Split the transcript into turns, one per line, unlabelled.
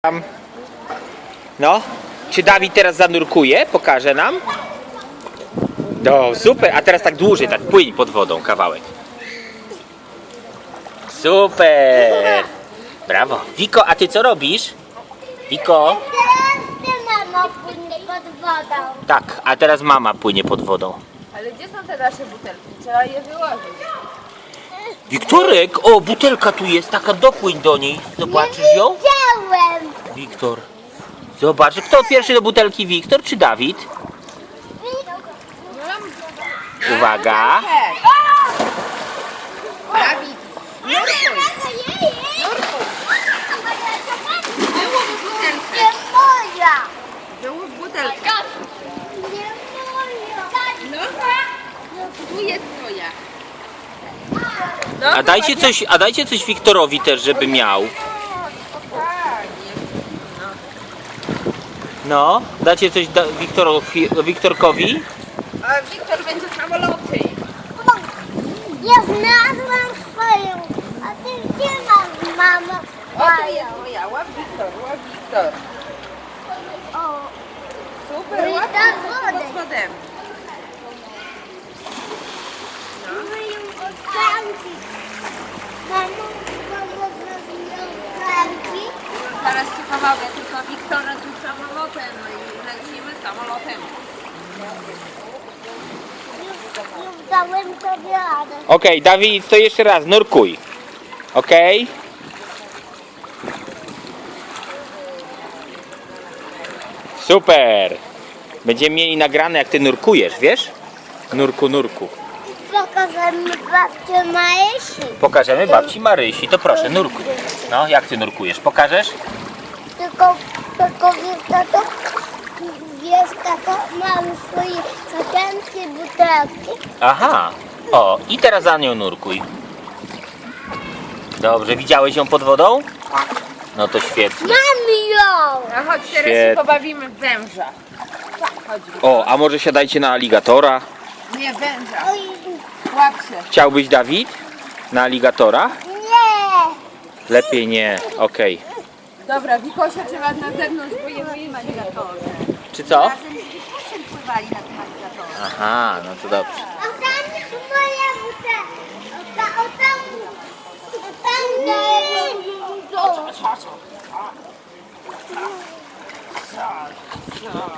No, czy Dawid teraz zanurkuje? Pokaże nam. No, super, a teraz tak dłużej, tak płyń pod wodą kawałek. Super! Brawo. Wiko, a ty co robisz? Wiko?
Teraz ty, mamo, płynie pod wodą.
Tak, a teraz mama płynie pod wodą.
Ale gdzie są te nasze butelki? Trzeba je wyłożyć.
Wiktorek, o, butelka tu jest, taka, dopłyń do niej. Zobaczysz ją?
Widziałem.
Wiktor. Zobacz, kto pierwszy do butelki, Wiktor czy Dawid? Uwaga.
Dawid,
Nie moja.
wyłóż butelkę.
Nie moja.
No, tu jest twoja.
A dajcie coś Wiktorowi też, żeby miał. No, dacie coś Wiktorkowi?
A Wiktor będzie samoloty.
Ja znalazłam swoją. A ty gdzie masz, mamo?
O, tu jest moja. Łap Wiktor, łap Wiktor.
O,
Super,
No i
łap
tak
pod
wodę.
spodem.
myję klamki. Mamo, zrobiłam klamki.
Zaraz ci pomogę, tylko Wiktora tu samolotem. No i lecimy samolotem.
Już dałem sobie radę.
Okej, Dawid, to jeszcze raz, nurkuj. Okej? Super! Będziemy mieli nagrane, jak ty nurkujesz, wiesz? Nurku.
Pokażemy babcię Marysi.
Pokażemy babci Marysi, to proszę, nurkuj. No, jak ty nurkujesz? Pokażesz?
Tylko jest tato, mamy swoje sakienki, butelki.
Aha, o, i teraz za nią nurkuj. Dobrze, widziałeś ją pod wodą? No to świetnie.
Mamy ją!
No chodź, teraz
Świetnie.
się pobawimy w węża. Chodź,
O, a może siadajcie na aligatora?
nie węża.
Oj,
Łap się.
Chciałbyś, Dawid? Na aligatora?
nie!
Lepiej nie, okej.
Dobra, Wikosia trzeba na zewnątrz, bo je moje aligatorze.
Czy co?
Razem z Wikosiem pływali na tym aligatorze.
Aha, no to dobrze.
A tam jest moja butelka. O tam nie.